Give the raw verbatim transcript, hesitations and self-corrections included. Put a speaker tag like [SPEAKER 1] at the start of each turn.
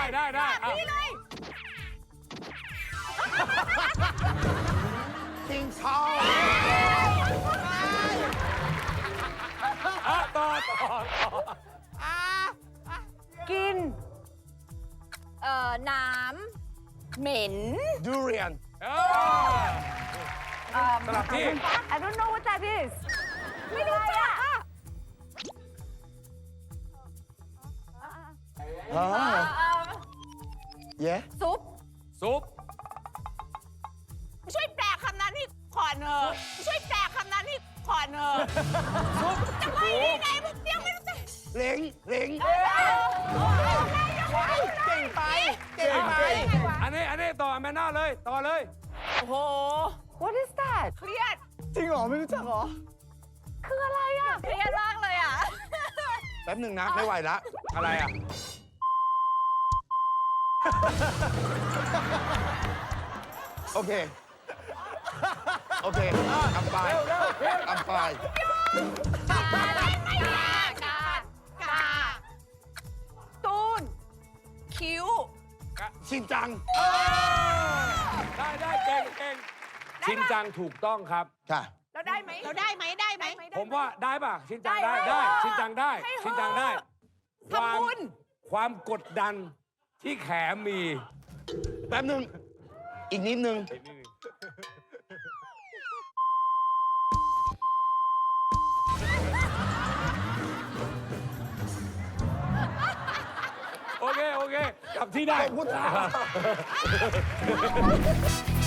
[SPEAKER 1] ได้ได้
[SPEAKER 2] นี่เลย
[SPEAKER 3] จิงชอง
[SPEAKER 1] อ่ะต่อต่อต่อ
[SPEAKER 2] กิน เอ่อ น้ำ เหม็น
[SPEAKER 3] ดูเรียน
[SPEAKER 1] เออสลับที่
[SPEAKER 2] I don't know what that is ไม่รู้จักอ่ะ
[SPEAKER 3] ฮะเย้
[SPEAKER 2] ซุป
[SPEAKER 1] ซุป
[SPEAKER 2] ช่วยแปลคำนั้นให้ก่อนเถอะช่วยแปลคำนั้นให้ก่อนเถอะ
[SPEAKER 1] ซุป
[SPEAKER 2] จะไปได้ไงมึงยังไม่รู้จัก
[SPEAKER 3] เล้งเล้ง
[SPEAKER 2] เก่งไป
[SPEAKER 3] เก่งไป
[SPEAKER 1] อันนี้อันนี้ต่อแมนน่าเลยต่อเลย
[SPEAKER 2] โอ้โห What is that เครียด
[SPEAKER 3] จริงเหรอ ไม่รู้จักเหรอ
[SPEAKER 2] คืออะไรอ่ะ เครียดมากเลยอ่ะ
[SPEAKER 3] แป๊บหนึ่งนะ ไม่ไหวละ
[SPEAKER 1] อะไรอ่ะ
[SPEAKER 3] โอเค โอเคอัมไปอัมไป
[SPEAKER 2] กาอะไรไม่กากากาตูน คิ้ว
[SPEAKER 3] ชินจัง
[SPEAKER 1] ได้ได้เก่งเก่งชินจังถูกต้องครับ
[SPEAKER 3] ค่ะ
[SPEAKER 2] เราได้ไหมเราได้ไหมได้ไหม
[SPEAKER 1] ผมว่าได้ป่ะ ชินจังได้
[SPEAKER 2] ได้
[SPEAKER 1] ได้
[SPEAKER 2] เหรอ
[SPEAKER 1] ชินจังได้
[SPEAKER 2] ให้เหรอ
[SPEAKER 1] ชินจังได้
[SPEAKER 2] ทำบุญ
[SPEAKER 1] ความกดดันที่แขมี
[SPEAKER 3] แป๊บหนึ่ง อีกนิดนึง
[SPEAKER 1] โอเค โอเคกลับที่ได้
[SPEAKER 3] ขอบคุณครับ